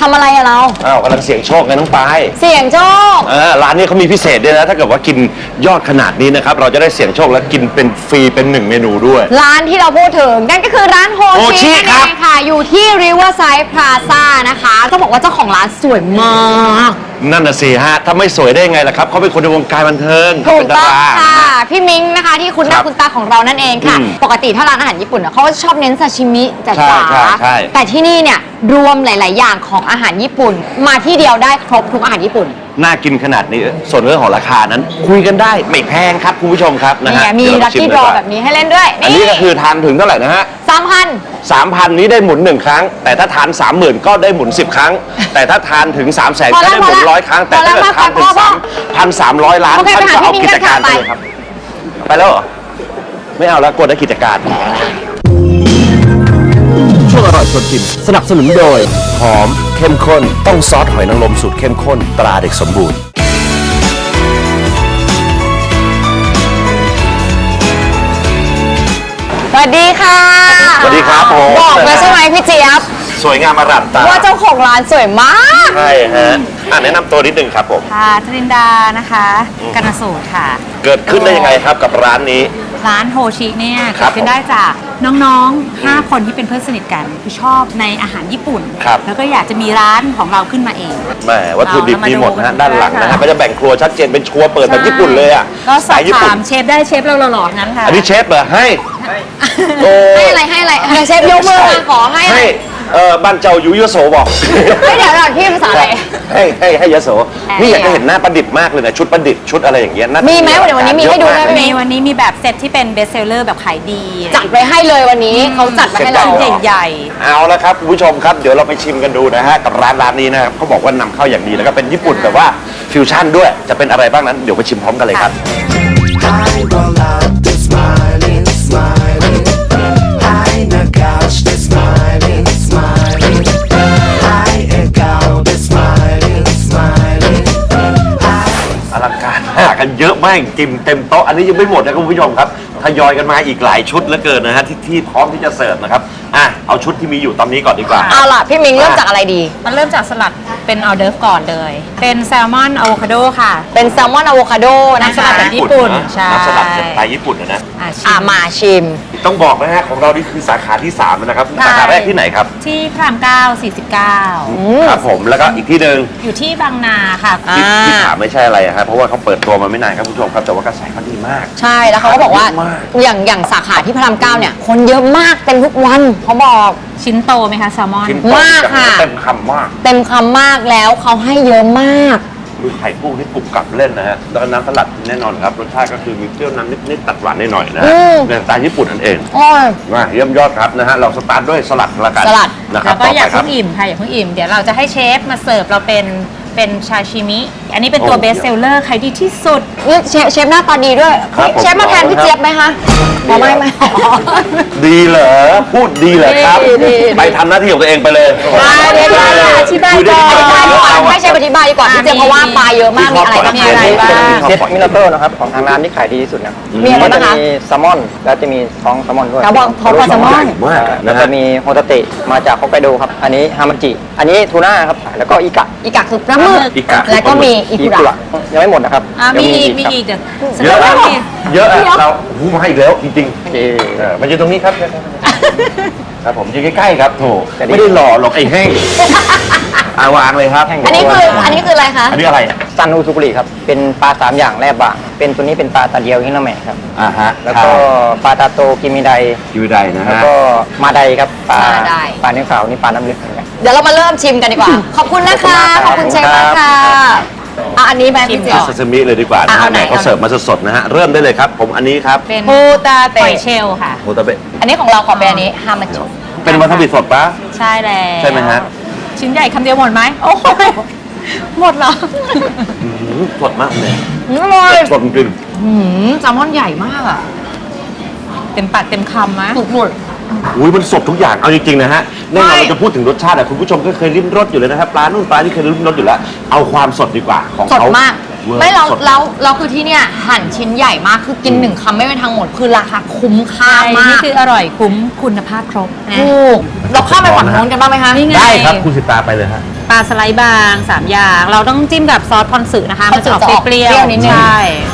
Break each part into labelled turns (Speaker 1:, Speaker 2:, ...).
Speaker 1: ำอะไรอะเรา
Speaker 2: อ้าวกำลังเสี่ยงโชคไงน้องปาย
Speaker 1: เสี่ยงโชค
Speaker 2: ร้านนี้เขามีพิเศษด้วยนะถ้าเกิดว่ากินยอดขนาดนี้นะครับเราจะได้เสี่ยงโชคและกินเป็นฟรีเป็น1 เมนูด้วย
Speaker 1: ร้านที่เราพูดถึงนั่นก็คือร้านโฮ
Speaker 2: โฮชิ
Speaker 1: ชินั่น
Speaker 2: ครั
Speaker 1: เอบ งค่ะ อยู่ที่ Riverside Plaza นะคะต้องบอกว่าเจ้าของร้านสวยมาก
Speaker 2: นั่นน่ะสิฮะถ้าไม่สวยได้ไงล่ะครับเขาเป็นคนในวงการบันเทิง
Speaker 1: ถูก
Speaker 2: เป็นดา
Speaker 1: ต้อง
Speaker 2: รา
Speaker 1: ค่ะ พี่มิ้งนะคะที่คุณห
Speaker 2: ครั
Speaker 1: น้า
Speaker 2: บ
Speaker 1: คุณตาของเรานั่นเองค่ะ
Speaker 2: อืม
Speaker 1: ปกติถ้าร้านอาหารญี่ปุ่นเขาก็ชอบเน้นซาชิมิจ๋า
Speaker 2: ใช่ใช่
Speaker 1: ๆแต่ที่นี่เนี่ยรวมหลาย ๆ อย่างของอาหารญี่ปุ่น มาที่เดียวได้ครบทุกอาหารญี่ปุ่น
Speaker 2: น่ากินขนาดนี้ส่วนเรื่องของราคานั้น คุยกันได้ไม่แพงครับคุณผู้ชมครับนะ
Speaker 1: นี่
Speaker 2: ฮะ
Speaker 1: ไงมี
Speaker 2: เดี๋ยว
Speaker 1: ลั
Speaker 2: เรา
Speaker 1: ค
Speaker 2: ชิม
Speaker 1: กี้
Speaker 2: ดี
Speaker 1: ดร
Speaker 2: ก
Speaker 1: อ
Speaker 2: ว่า
Speaker 1: แบบนี้ให้เล่นด้วย
Speaker 2: อันนี้ก็คือทานถึงเท่าไหร่นะฮะ
Speaker 1: 3,000
Speaker 2: 3,000 นี้ได้หมุน1 ครั้ง แต่ถ้าทาน 30,000 ก็ได้หมุน10 ครั้ง แต่ถ้าทานถึง 300,000 ก็ได้หมุน100 ครั้ง แต่ถ้าเกิดทานถึง 3,300 ล้าน
Speaker 1: โอเค
Speaker 2: ท่านก็เอา
Speaker 1: ไปหาพี่มิ้ง
Speaker 2: กิจการ
Speaker 1: กัน
Speaker 2: ไป
Speaker 1: ค่ะ
Speaker 2: เลยครับ ไปแล้วเหรอ ไม่เอาแล้วกดได้กิจการ ช่วงอร่อยชวนกินสนับสนุนโดย หอมเข้มข้น ต้องซอสหอยนางรมสูตรเข้มข้นตราเด็กสมบูรณ์
Speaker 1: สวัสดีค่ะ
Speaker 2: สวัสดีครับผม
Speaker 1: บอกเลยใช่ไหมพี่เจี๊ยบ
Speaker 2: สวยงามอร่ามตา
Speaker 1: ว่าเจ้าของร้านสวยมาก
Speaker 2: ใช่ฮะแนะนำตัวนิดนึงครับผม
Speaker 3: ค่ะจรินดานะคะกนสูตรค่ะ
Speaker 2: เกิดขึ้นได้ยังไงครับกับร้านนี้
Speaker 3: ร้านโฮชิเนี่ย
Speaker 2: ครั
Speaker 3: เกิ
Speaker 2: บ
Speaker 3: ดขึ้นได้จากน้องๆ 5 คนที่เป็นเพื่อนสนิทกันคือชอบในอาหารญี่ปุ่น
Speaker 2: ครับ
Speaker 3: แล้วก็อยากจะมีร้านของเราขึ้นมาเอง
Speaker 2: แหมวัตถุดิบมีหมดนะฮะ
Speaker 3: เรามาดู
Speaker 2: ด้านหลังนะฮะ
Speaker 3: ค่ะ
Speaker 2: ก็จะแบ่งครัวชัดเจนเป็นครัวเปิดแบบญี่ปุ่นเลยอ่ะ
Speaker 3: ก็สอบ
Speaker 2: ญี่ปุ่
Speaker 3: ถาน มเชฟได้เชฟเราหล่อๆงั้นค่ะ
Speaker 2: อันนี้เชฟเหรอให้โอ้
Speaker 1: ให้อะไรเชฟยกมือมาขอให้อะไร
Speaker 2: บ้านเจ้ายุยโสบอก
Speaker 1: ไม่เดี๋ยวเราพี่ภาษาอะไร
Speaker 2: ให้ยโสนี่อยากจะเห็นหน้าประดิษฐ์มากเลยนะชุดประดิษฐ์ชุดอะไรอย่างเงี้ยน่าจะ
Speaker 1: มีไหมเดี๋ยววันนี้มีให้ดูได้ไหม
Speaker 3: มีวันนี้มีแบบเซตที่เป็นเบสเซลเลอร์แบบขายดี
Speaker 1: จัดไว้ให้เลยวันนี้เขาจัดมาให้เรา
Speaker 3: ใหญ่
Speaker 2: เอาละครับคุณผู้ชมครับเดี๋ยวเราไปชิมกันดูนะฮะกับร้านนี้นะครับเขาบอกว่านำเข้าอย่างดีแล้วก็เป็นญี่ปุ่นแต่ว่าฟิวชั่นด้วยจะเป็นอะไรบ้างนั้นเดี๋ยวไปชิมพร้อมกันเลยครับ
Speaker 4: I roll out, they're smiling, smiling. I knock out, they're smiling, smiling. I egg out, they're smiling, smiling.
Speaker 2: อลังการมากกันเยอะมากจริงเต็มโต๊ะอันนี้ยังไม่หมดนะคุณผู้ชมครับทยอยกันมาอีกหลายชุดเหลือเกินนะฮะที่พร้อมที่จะเสิร์ฟนะครับเอาชุดที่มีอยู่ตอนนี้ก่อนดีกว่า
Speaker 1: เอาล่ะพี่มิงเริ่มจากอะไรดี
Speaker 3: ๆมันเริ่มจากสลัดเป็นออเดิร์ฟก่อนเลย เป็นแซลมอนอะโวคาโดค่ะ
Speaker 1: เป็นแซลมอนอะโวคาโดนะ
Speaker 3: น้ำส
Speaker 1: คะ
Speaker 3: ลัดแบบญี่ปุ่นใช่
Speaker 2: น้ำสลัดสไตล์ญี่ปุ่นนะ
Speaker 3: ชิม
Speaker 1: มาชิม
Speaker 2: ต้องบอกนะฮะของเรานี่คือสาขาที่3แล้วนะครับสาขาแรกที่ไหนครับ
Speaker 3: ที่พระราม9
Speaker 2: ครับผมแล้วก็อีกที่หนึ่ง
Speaker 3: 49 อยู่ที่บางนาค่ะ
Speaker 2: ที่ถามไม่ใช่อะไรอะครับเพราะว่าเขาเปิดตัวมาไม่นานครับคุณผู้ชมครับแต่ว่ากระแสเขาดีมาก
Speaker 1: ใช่แล้วเขาก็บอกว่า
Speaker 2: เยอะมาก
Speaker 1: อย่างสาขาที่พระราม9เนี่ยคนเยอะมากเต็มทุกวันเขาบอก
Speaker 3: ชิ้นโตไหมคะแซลมอน
Speaker 2: ชิ้นโต
Speaker 1: มาก
Speaker 2: จัง
Speaker 1: ค่ะ
Speaker 2: เต็มคำมาก
Speaker 1: เต็มคำมากแล้วเขาให้เยอะมาก
Speaker 2: ดูไข่กุ้งที่กรุบกรับเล่นนะฮะแล้วก็น้ำสลัดแน่นอนครับรสชาติก็คือมีเปรี้ยวน้ำนิดๆตัดหวานหน่อยๆนะฮะในสไตล์ญี่ปุ่นนั่นเอง
Speaker 1: โอ้ย
Speaker 2: มาเยี่ยมยอดครับนะฮะเราสตาร์ทด้วยสลัดละกัน
Speaker 1: สลัด
Speaker 2: นะครับ
Speaker 3: แล้วก็อย่า
Speaker 2: ต่ไปครั
Speaker 3: เพิ่งอิ่มค่ะอย่าเพิ่งอิ่ม เดี๋ยวเราจะให้เชฟมาเสิร์ฟเราเป็นชาชิมิ อันนี้เป็นตัว
Speaker 2: โอ้
Speaker 3: เบสเซลเลอร์ขายดีที่สุด
Speaker 1: นี่เชฟหน้าตาดีด้วย
Speaker 2: ครับผม
Speaker 1: เชฟมาแทนพี่เจี๊ยบไหมคะอ๋อไม่
Speaker 2: ดีเหรอพูดดีเหรอครับ
Speaker 1: ดี
Speaker 2: ไปทำหน้าที่ของตัวเองไปเลย
Speaker 1: เดี๋ยวอธิบาย
Speaker 2: คุยได้
Speaker 1: ก่อน
Speaker 2: ที่ไหน
Speaker 1: ให้เชฟอธิบายดีกว่าพี่เจี๊ยบเพราะว่าปลาเยอะมากมีอะไรบ้าง
Speaker 3: มีอะไรบ้าง
Speaker 5: เซตมินาโต้นะครับของทางร้านที่ขายดีที่สุดนะ
Speaker 1: มีอะไร
Speaker 5: ก็จะ
Speaker 1: บ้างคะ
Speaker 5: มีแซลมอนแล้วจะมีท้องแซลมอนด้วย
Speaker 1: กระบอกท้องปลาแซลมอน
Speaker 2: มาก
Speaker 5: แล้
Speaker 2: นะ
Speaker 5: วก็
Speaker 2: ฮะ
Speaker 5: มีโฮตาเตะมาจากฮอกไกโดครับ อันนี้ฮามาจิ อันนี้ทูน่าครับ แล้วก็อิกะ
Speaker 1: อีกะคือปลาหมึก
Speaker 2: อีกะ
Speaker 1: แล้วก็มีอีกุ
Speaker 5: กุ
Speaker 1: ระ
Speaker 5: ระยังไม่หมดนะครับ
Speaker 3: มี
Speaker 5: เดี๋ยว
Speaker 3: อีก
Speaker 5: ครับ
Speaker 3: เดี๋ยว
Speaker 2: เยอะ
Speaker 3: แสดงว่ามี
Speaker 2: เยอะอะเราหูมาอีกแล้วจริง
Speaker 5: โอเค
Speaker 2: ๆมันอยู่ตรงนี้ครับครับผมอยู่ใกล้ๆครับโถ
Speaker 5: แต่นี่
Speaker 2: ไม่ได้หล่อหรอกไอ้แห้งวางเลยครับ
Speaker 1: อันนี้คืออะไรคะ
Speaker 2: อันนี้อะไร
Speaker 5: ซันอูซุกุริครับ เป็นปลา3อย่างแร่บางเป็นตัวนี้เป็นปลาตาเดียวฮินาเมะครับ
Speaker 2: ฮะ
Speaker 5: แล้วก็ปลาตาโตกิมิได
Speaker 2: คิวไดนะ
Speaker 5: แล้ว
Speaker 2: ฮะ
Speaker 5: ก็มาไดครับ ปลา
Speaker 1: มาได
Speaker 5: ปลาเนื้อขาวนี่ปลาน้ำลึกเหมือนกัน
Speaker 1: เดี๋ยวเรามาเริ่มชิมกันดีกว่า ขอบคุณนะคะขอบคุณเชฟมากค่ะอันนี้แบบพี่เจี๊ยบ
Speaker 2: ซาซิมิเลยดีกว่านะ
Speaker 1: เอา
Speaker 2: ฮะ
Speaker 1: ไหน
Speaker 2: แหมเขาเสิร์ฟมาสดๆนะฮะเริ่มได้เลยครับ ผมอันนี้ครับ
Speaker 3: เป็น
Speaker 1: ปูตา
Speaker 3: ห
Speaker 1: เตะ
Speaker 3: อยเชลล์ค่ะ
Speaker 2: โมตาเบะ
Speaker 1: อันนี้ของเราขอเป็นอันนี้ฮามาจิ
Speaker 2: เป็นวาซาบิสดปะ
Speaker 3: ใช่แล้ว
Speaker 2: ใช่ไหมฮะ
Speaker 3: ชิ้นใหญ่คำเดียวหมดไหมโอ้ยหมดเหรอ
Speaker 2: สดมากเลย
Speaker 1: อร่อย
Speaker 2: สดจริง
Speaker 1: แซลมอนใหญ่มากอ่ะ
Speaker 3: เต็มปากเต็มคำมะ
Speaker 1: สุด
Speaker 2: อุ้ยมันสดทุกอย่างเอาจริงๆนะฮะแน่นอน
Speaker 1: ไม่
Speaker 2: เราจะพูดถึงรสชาติอะคุณผู้ชมก็เคยลิ้มรสอยู่เลยนะครับปลานู่นปลาที่เคยลิ้มรสอยู่แล้วเอาความสดดีกว่าของ
Speaker 1: สด
Speaker 2: เขา
Speaker 1: มาก
Speaker 2: วอร์
Speaker 1: ไม่เรา
Speaker 2: สด
Speaker 1: เราคือที่เนี่ยหั่นชิ้นใหญ่มากคือกินหนึ่งคำไม่เป็นทางหมดคือราคาคุ้มค่า
Speaker 3: ใช่
Speaker 1: มาก
Speaker 3: นี่คืออร่อยคุ้มคุณภาพครบนะ
Speaker 1: ถูกเราข้ามไปฝั่งโน้นกันบ้างไหมคะ
Speaker 3: นี่ไง
Speaker 2: ได้ครับคุณสิตาไปเลยฮะ
Speaker 3: ปลาสไลด์บาง3อย่าง เราต้องจิ้มกับซอสพอนสึนะคะ มันจะออกเปรี้ยว
Speaker 1: นิดนึง
Speaker 3: ใช่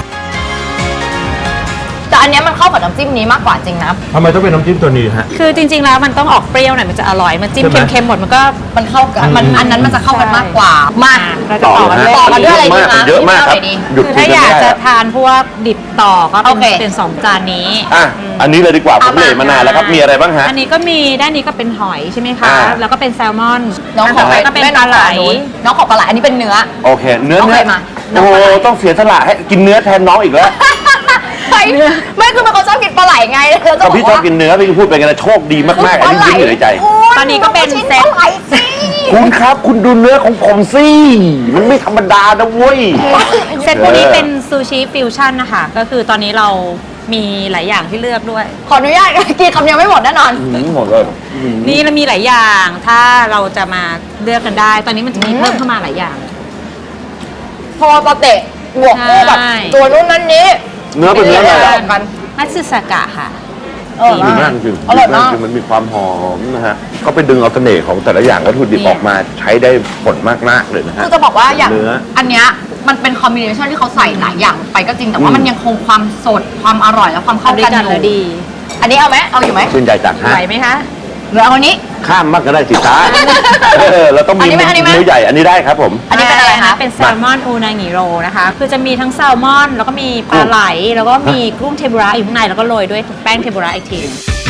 Speaker 1: แต่อันเนี้ยมันเข้ากับน้ำจิ้มนี้มากกว่าจริงนะ
Speaker 2: ทำไมต้องเป็นน้ำจิ้มตัวนี้ฮะ
Speaker 3: คือจริงๆแล้วมันต้องออกเปรี้ยวหน่อยมันจะอร่อย มันจิ้ม
Speaker 2: ใช่ไหม
Speaker 3: เค็มๆหมดมันก็
Speaker 1: มันเข้ากันมันอันนั้นมันจะเข้ากันมากกว่า มา
Speaker 3: เราจะต่อกันด้วย
Speaker 1: ต่อกันด้วยอะไรดีคะ
Speaker 2: เยอะมากครับ
Speaker 1: นี่
Speaker 2: หยุด
Speaker 3: คือ
Speaker 2: กิ
Speaker 3: ถ้าน อ
Speaker 2: กัน
Speaker 3: ยาก
Speaker 2: ไม่ได้
Speaker 3: จะ
Speaker 2: อะ
Speaker 3: ทานพวกดิบต่อก็
Speaker 1: โอเค
Speaker 3: เป็น2 จานนี้
Speaker 2: อ่ะอันนี้เลยดีกว่าผมเลยมานานแล้วครับมีอะไรบ้างฮะ
Speaker 3: อันนี้ก็มีด้านนี้ก็เป็นหอยใช่ไหมคะ
Speaker 2: อ่า
Speaker 3: แล้วก็เป็นแซลมอน
Speaker 1: น้องข
Speaker 3: ต่
Speaker 1: อ
Speaker 3: อไปก็เป็นปลาไหล
Speaker 1: น้องของปลาไหลอันนี้เป็นเนื้อ
Speaker 2: โอเค เนื้อ
Speaker 1: โอเคมา
Speaker 2: โอ้โหต้องเสียสละให้กินเนื้อแทนน้องอีกแล้ว
Speaker 1: ไม่คือมันเขาชอบกินปลาไหลไงเราจะ
Speaker 2: ก็
Speaker 1: บอก
Speaker 2: พี่ชอบ
Speaker 1: ว่า
Speaker 2: กินเนื้อพี่ก็พูดไปกันนะโชคดีมากๆอันนี้ยิ้มอยู่ในใจ
Speaker 3: ตอนนี้ก็เป็นเซต
Speaker 1: ปลาไหลสิ
Speaker 2: คุณครับคุณดูเนื้อของผมสิมันไม่ธรรมดานะเว้ย
Speaker 3: เซตพวกนี้เป็นซูชิฟิวชั่นนะคะ ก็คือตอนนี้เรามีหลายอย่างที่เลือกด้วย
Speaker 1: ขออนุญาตกินคำเดียวไม่หมดแน่นอน
Speaker 2: หมดเลย
Speaker 3: นี่เรามีหลายอย่าง ถ้าเราจะมาเลือกกันได้ ตอนนี้มันจะมีเพิ่มเข้ามาหลายอย่าง
Speaker 1: พอปลาเตะบวกคู่กับ
Speaker 3: ใช่
Speaker 1: ตัวนู้นนั้นนี้
Speaker 2: เนื้อเป็นเนื้ออะไร
Speaker 1: อ
Speaker 2: อะ
Speaker 1: ร่อยกัน
Speaker 3: มัตสึสากะค่ะ
Speaker 2: ดีมากจริง
Speaker 1: อร่อยมาก
Speaker 2: จริงมันมีความหอมนะฮะเขาไปดึงเอาเสน่ห์ของแต่ละอย่างวัตถุดิบ
Speaker 3: นี่
Speaker 2: ออกมาใช้ได้ผลมากๆเลยนะฮะ
Speaker 1: คือจะบอกว่าอย่าง
Speaker 2: เนื้อ
Speaker 1: อันเนี้ยมันเป็นคอมบิเนชันที่เขาใส่หลายอย่างไปก็จริงแต่ว่ามันยังคงความสดความอร่อยและความเข้า
Speaker 3: ด้วย
Speaker 1: กัน
Speaker 3: กัน
Speaker 1: อ
Speaker 3: แล้ว
Speaker 1: ยู่
Speaker 3: ดี
Speaker 1: อันนี้เอาไหมเอาอยู่ไหม
Speaker 2: ชื่นใจจากฮะ
Speaker 3: ไหวไหมคะ
Speaker 1: หรือเอาอันนี้
Speaker 2: ข้ามมากก็ได้สิจ้าเราต้องมี
Speaker 1: อันนี้ไหมอันนี้ไหม
Speaker 2: มือใหญ่อันนี้ได้ครับผม
Speaker 1: อันนี้เป็นอะไรคะ
Speaker 3: เป็นแซลมอนอูนางิโรนะคะ คือจะมีทั้งแซลมอน แล้วก็มีปลาไหล แล้วก็มีกุ้งเทมปุระอยู่ข้างใน แล้วก็โรยด้วยแป้งเทมปุระอีกที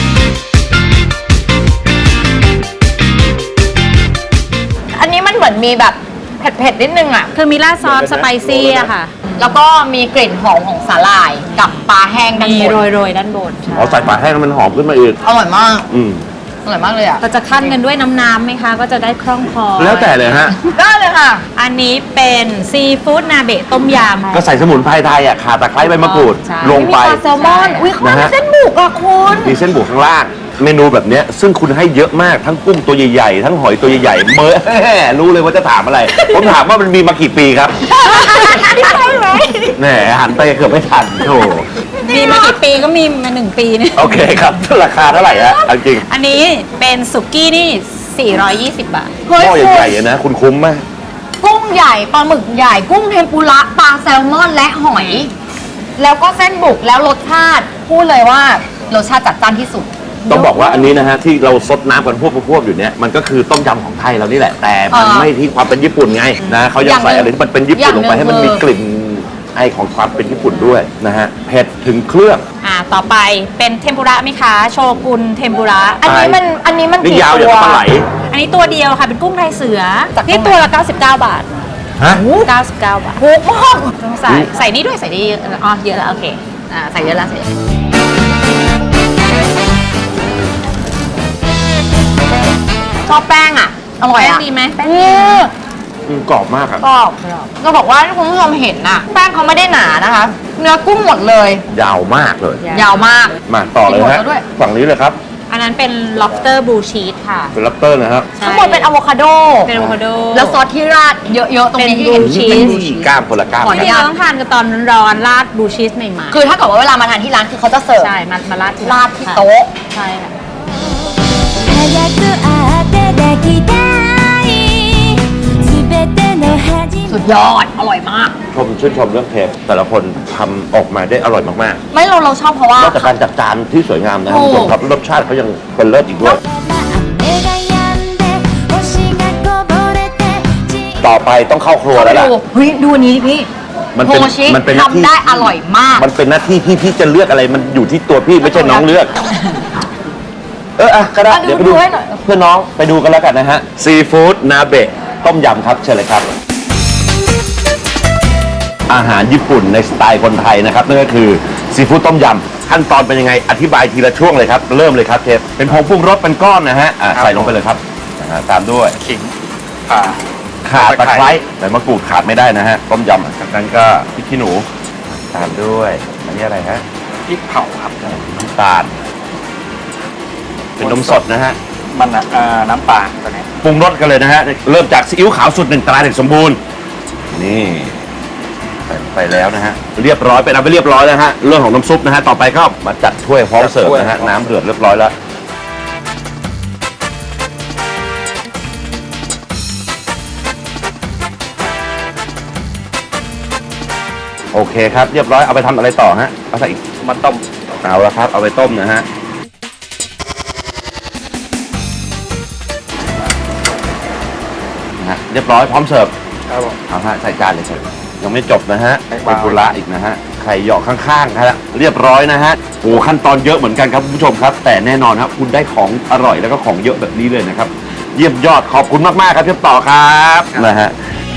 Speaker 1: อันนี้มันเหมือนมีแบบเผ็ดๆนิดนึงอ่ะ
Speaker 3: คือมีราดซอสสไปซี่อะค่ะ
Speaker 1: แล้วก็มีกลิ่นหอมของสาหร่ายกับปลาแห้งด้าน
Speaker 3: มี
Speaker 1: บน
Speaker 3: โรยๆด้านบนใช่
Speaker 2: เอาใส่ปลาแห้งแล้วมันหอมขึ้นมาอีก
Speaker 1: อร่อยมาก
Speaker 2: อืม
Speaker 1: อร่อยมากเลยอ่ะ
Speaker 3: เราจะขั้นกันด้วยน้ำไหมคะ ก็จะได้คล่องคอ
Speaker 2: แล้วแต่เลยฮะ
Speaker 1: ได้เลยค่ะ
Speaker 3: อันนี้เป็นซีฟู้ดนาเบะต้มยำ
Speaker 2: ก็ใส่สมุนไพรไทยอ่ะข่าตะไคร้ใบมะกรูด
Speaker 3: ใช่
Speaker 2: ลงไป
Speaker 1: มีปลาแซลมอน อุ้ยเขา
Speaker 2: นะ
Speaker 1: มี
Speaker 2: ฮะ
Speaker 1: เส้นบุกอ่ะคุณ
Speaker 2: มีเส้นบุกข้างล่าง เมนูแบบเนี้ยซึ่งคุณให้เยอะมากทั้งกุ้งตัวใหญ่ๆ ทั้งหอยตัวใหญ่ๆ รู้เลยว่าจะถามอะไร ผมถามว่ามันมีมากี่ปีครับ
Speaker 1: ใช่ไหม
Speaker 2: แหมหันไปเกือบไม่ทันโธ่
Speaker 3: มีมากี่ปีก็มีมา1 ปีเนี่ย
Speaker 2: โอเคครับราคาเท่าไหร่ฮะเอาจริง
Speaker 3: อันนี้เป็นสุกี้นี่ 420 บาท
Speaker 1: เฮ้ย
Speaker 2: หม้อ
Speaker 1: คุณ
Speaker 2: ใหญ่ๆอะนะคุณคุ้มไหม
Speaker 1: กุ้งใหญ่ปลาหมึกใหญ่ กุ้งเทมปุระปลาแซลมอนและหอย แล้วก็เส้นบุกแล้วรสชาติพูดเลยว่ารสชาติจัดจ้านที่สุด
Speaker 2: ต้องบอกว่าอันนี้นะฮะที่เราซดน้ำกันพวกอยู่เนี่ยมันก็คือต้มยำของไทยเรานี่แหละ แต่มันไม่ที่ความเป็นญี่ปุ่นไงนะเขายังใส่อะไรที่มันเป็นญี่ปุ่นลงไปให้มันมีกลิ่นไอของความเป็นญี่ปุ่นด้วยนะฮะเผ็ดถึงเครื่อง
Speaker 3: ต่อไปเป็นเทมปุระไหมคะ โชกุนเทมปุระ
Speaker 1: อันนี้มัน
Speaker 2: นี่
Speaker 1: กี่
Speaker 2: ยาวอย่าง
Speaker 1: ตัว
Speaker 2: กับปลาไหล
Speaker 3: อันนี้ตัวเดียวค่ะ เป็นกุ้งลายเสือ
Speaker 1: จาก
Speaker 3: นี่
Speaker 1: ตรงไหน
Speaker 3: ตัวละ 99 บาท
Speaker 2: ฮะ
Speaker 3: 99 บาท
Speaker 1: ถูกมาก
Speaker 3: ต้องใส่นี่ด้วยใส่นี่อ๋อเยอะแล้วโอเค
Speaker 1: ใส่เยอะแล้วใส่เยอะชอบแป้งอ่ะ อร่อย
Speaker 3: แป้ง
Speaker 1: อ่ะ
Speaker 3: ดีไหมแป้ง
Speaker 1: อื
Speaker 3: ดี
Speaker 1: ม
Speaker 2: กรอบมากครับ
Speaker 1: กรอบจะบอกว่าที่คุณผู้ชมเห็นน่ะ แป้งเขาไม่ได้หนานะคะ เนื้อกุ้งหมดเลย
Speaker 2: ยาวมากเลย
Speaker 1: ยาวมาก
Speaker 2: มาต่อเลย
Speaker 1: มีหม
Speaker 2: ฮะ
Speaker 1: ดแล้วด้วย
Speaker 2: ฝั่งนี้เลยครับ
Speaker 3: อันนั้นเป็น lobster blue cheese ค่ะ
Speaker 2: เป็นลับเตอร์นะครับ
Speaker 3: ใช่
Speaker 1: ข้างบนเป็นอะโวคาโด
Speaker 3: เป็น avocado
Speaker 1: แล้วซอสที่ราดเยอะๆ ตรงนี้ที่เห็น
Speaker 3: เป็น blue
Speaker 1: เป็น
Speaker 3: cheese
Speaker 1: blue cheese
Speaker 2: ก้ามคนละก้าม
Speaker 1: ขออนุ
Speaker 3: ที่
Speaker 1: ญาต
Speaker 3: เราต้องทานกันตอนร้อนๆราด blue cheese ใหม่ๆ
Speaker 1: คือถ้าเกิดว่าเวลามาทานที่ร้านคือเขาจะเสิร์ฟ
Speaker 3: ใช่ มาราดที่
Speaker 1: ราดที่โต๊ะ
Speaker 3: ใช่ค่ะ
Speaker 6: 早く会って抱きたい全ての始
Speaker 1: สุดยอด อร่อยมาก
Speaker 2: ชื่นชมเรื่องเทปแต่ละคนทำออกมาได้อร่อยมาก
Speaker 1: ไม่เราชอบเพราะว่า
Speaker 2: ๆนอกจากการจัดจานที่สวยงามนะครับ
Speaker 1: โอ้
Speaker 2: คุณผู้ชมครับรสชาติเขายังเป็นเลิศอีกด้วย
Speaker 6: 雨が止んで星がこぼれて
Speaker 2: ต่อไปต้องเข้าครัว
Speaker 1: เข้าไป
Speaker 2: แล้วล่ะ
Speaker 1: ดูเฮ้ยดูอันนี้ดิพี่
Speaker 2: มันเป็น
Speaker 1: โฮชิ
Speaker 2: มันเป็นหน้าที่
Speaker 1: ทำได้อร่อยมาก
Speaker 2: มันเป็นหน้าที่ที่พี่จะเลือกอะไรมันอยู่ที่ตัวพี่ไม่ใช่น้องเลือก ก็ได้
Speaker 1: อ่ะ
Speaker 2: เดี๋ยวไป
Speaker 1: ดู
Speaker 2: ดู
Speaker 1: ให้หน่อย
Speaker 2: เพื่อนน้องไปดูกันแล้วกันนะฮะซีฟู้ดนาเบะต้มยำครับเชิญเลยครับ อาหารญี่ปุ่นในสไตล์คนไทยนะครับนั่นก็คือซีฟู้ดต้มยำขั้นตอนเป็นยังไงอธิบายทีละช่วงเลยครับเริ่มเลยครับเชฟเป็นผงปรุงรสเป็นก้อนนะฮะใส่ลงไปเลยครับตามด้วย
Speaker 7: ขิง
Speaker 2: ข่าตะไคร้ใบมะกรูดขาดไม่ได้นะฮะต้มยำจากนั้นก็พริกขี้หนูตามด้วยอันนี้อะไรฮะ
Speaker 7: พริกเผาครับ
Speaker 2: น้ำตาลเป็นนมสดนะฮะ
Speaker 7: มันน้ำปลาตัวนี้
Speaker 2: ปรุงรสกันเลยนะฮะเริ่มจากซีอิ๊วขาวสูตร 1 ตราเด็กสมบูรณ์นี่ใส่ไปแล้วนะฮะเรียบร้อยเป็นเอาไปเรียบร้อยแล้วฮะเรื่องของน้ำซุปนะฮะต่อไปก็มาจัดถ้วยพร้อมเสิร์ฟนะฮะน้ำเดือดเรียบร้อยแล้วโอเคครับเรียบร้อยเอาไปทำอะไรต่อฮะเอาใส่อีก
Speaker 7: มันต้ม
Speaker 2: เอาละครับเอาไปต้มนะฮะเรียบร้อยพร้อมเสิร์ฟ
Speaker 7: ครับผม
Speaker 2: เอาฮะใส่จานเลยเสิร์ฟยังไม่จบนะฮะ
Speaker 7: ไม่
Speaker 2: เป็น
Speaker 7: เบา
Speaker 2: ปุระอีกนะฮะไข่หยอกข้างๆครับเรียบร้อยนะฮะโอ้ขั้นตอนเยอะเหมือนกันครับคุณผู้ชมครับ แต่แน่นอนครับคุณได้ของอร่อยแล้วก็ของเยอะแบบนี้เลยนะครับเยี่ยมยอดขอบคุณมากๆครับเชฟต่อครับนะฮะ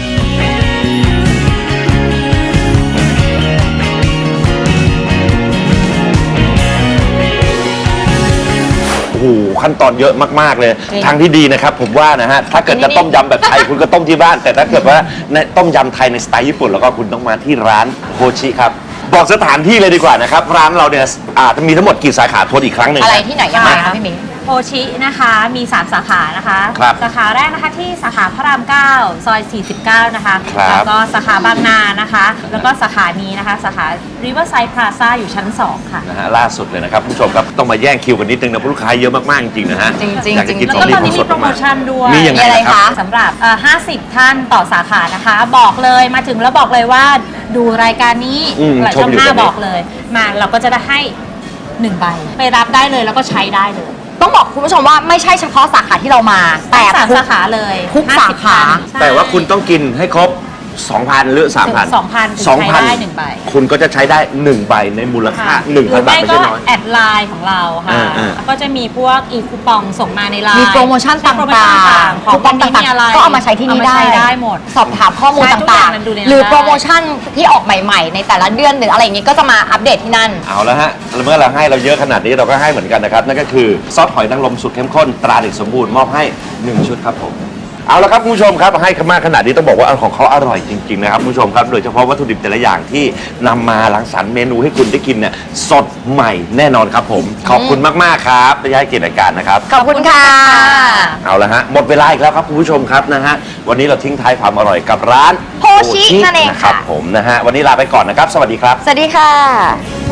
Speaker 2: โอ้โหขั้นตอนเยอะมากๆเลย
Speaker 1: จริง
Speaker 2: ทางที่ดีนะครับผมว่านะฮะถ้าเกิดจะต้มยำแบบไทย คุณก็ต้มที่บ้าน แต่ถ้าเกิดว่าในต้มยำไทยในสไตล์ญี่ปุ่นแล้วก็คุณต้องมาที่ร้านโฮชิครับบอกสถานที่เลยดีกว่านะครับร้านเราเนี่ยมีทั้งหมดกี่สาขาทวนอีกครั้งหนึ่ง
Speaker 1: อะไร
Speaker 2: นะ
Speaker 1: ที่ไหนยังไงคะพี่มิ้ง
Speaker 3: โฮชินะคะมี 3 สาขานะคะ
Speaker 2: ครับ
Speaker 3: สาขาแรกนะคะที่สาขาพระราม 9 ซอย 49 นะคะ
Speaker 2: ครับ
Speaker 3: แล้วก็สาขาบางนานะคะ แล้วก็สาขานี้นะคะ สาขา Riverside Plaza อยู่ชั้น 2 ค่ะ
Speaker 2: นะฮะล่าสุดเลยนะครับคุณผู้ชมครับต้องมาแย่งคิวกันนิดนึงนะเพราะลูกค้าเยอะมากๆจริงๆนะฮะ
Speaker 1: จริงๆ
Speaker 2: อยากจะกิน
Speaker 3: แล้ว
Speaker 2: ของ
Speaker 3: ก็
Speaker 2: ดี
Speaker 3: ตอน
Speaker 2: ของ
Speaker 3: นี้
Speaker 2: ส
Speaker 3: มี
Speaker 2: ด
Speaker 3: โปรโม
Speaker 2: มาก
Speaker 3: ชั่นด้วย
Speaker 2: มียังไง
Speaker 1: มีอะไร
Speaker 2: ครับ
Speaker 1: คะ
Speaker 3: สำหรับ 50 ท่านต่อสาขานะคะ บอกเลยมาถึงแล้วบอกเลยว่าดูรายการนี้ หลาย
Speaker 2: ช
Speaker 3: ช่
Speaker 2: ม
Speaker 3: อง
Speaker 2: อยู่
Speaker 3: หน้า
Speaker 2: ตอนนี้
Speaker 3: บอกเลย มาเราก็จะได้ให้1ใบไปรับได้เลยแล้วก็ใช้ได้เลย
Speaker 1: ต้องบอกคุณผู้ชมว่าไม่ใช่เฉพาะสาขาที่เรามา แต่
Speaker 3: สาม
Speaker 1: ทุก
Speaker 3: สาขาเลย
Speaker 1: ทุก
Speaker 3: 50
Speaker 1: สาขา
Speaker 3: ใช่
Speaker 2: แต่ว่าคุณต้องกินให้ครบ 2,000 หรือ 3,000
Speaker 3: 2,000ถึงใช้ได้1ใบ
Speaker 2: คุณก็จะใช้ได้ 1 ใบในมูลค่า
Speaker 3: หรือ
Speaker 2: 1,000 บาท
Speaker 3: ไม่
Speaker 2: ไม่
Speaker 3: ก็
Speaker 2: ใช่น้อย
Speaker 3: แอดไลน์ของเราค่ะ
Speaker 2: อ่า
Speaker 3: แล้วก็จะมีพวกอีคูปองส่งมาในไลน์
Speaker 1: มีโปรโมชั่นต่
Speaker 3: โปรโมชั่น
Speaker 1: าง
Speaker 3: ต่าง
Speaker 1: ๆ
Speaker 3: ๆของ
Speaker 1: คูปอง
Speaker 3: วันนี้
Speaker 1: ต่าง
Speaker 3: มีอะไร
Speaker 1: ๆก็เอามาใช้ที่นี่ได้
Speaker 3: เอามาใช้ได้หมด
Speaker 1: สอบถามข้อมูล
Speaker 3: ใช่ทุกอ
Speaker 1: ต่า
Speaker 3: ย่าง งมันดูในนั้น
Speaker 1: ๆ หรือ
Speaker 3: ได้
Speaker 1: โปรโมชั่นที่ออกใหม่ๆ ในแต่ละเดือนหรืออะไรอย่างงี้ก็จะมาอัปเดตที่นั่น
Speaker 2: เอาแล้วฮะเมื่อเราให้เราเยอะขนาดนี้เราก็ให้เหมือนกันนะครับ นั่นก็คือซอสหอยนางรมสุดเข้มข้นตราเด็กสมบูรณ์มอบให้ 1 ชุดครับผม เอาละครับคุณผู้ชมครับให้มากขนาดนี้ต้องบอกว่าของเขาอร่อยจริงๆนะครับคุณผู้ชมครับโดยเฉพาะวัตถุดิบแต่ละอย่างที่นำมารังสรรค์เมนูให้คุณได้กินเนี่ยสดใหม่แน่นอนครับผมขอบคุณมากๆครับที่ให้เกียรติรายการนะครับ
Speaker 1: ขอบคุณค่ะ
Speaker 2: เอาละฮะหมดเวลาอีกแล้วครับคุณผู้ชมครับนะฮะวันนี้เราทิ้งท้ายความอร่อยกับร้าน
Speaker 1: โฮชินั่นเอง
Speaker 2: นะครับ
Speaker 1: ค่ะ
Speaker 2: ผมนะฮะวันนี้ลาไปก่อนนะครับ สวัสดีครับ
Speaker 1: สวัสดีค่ะ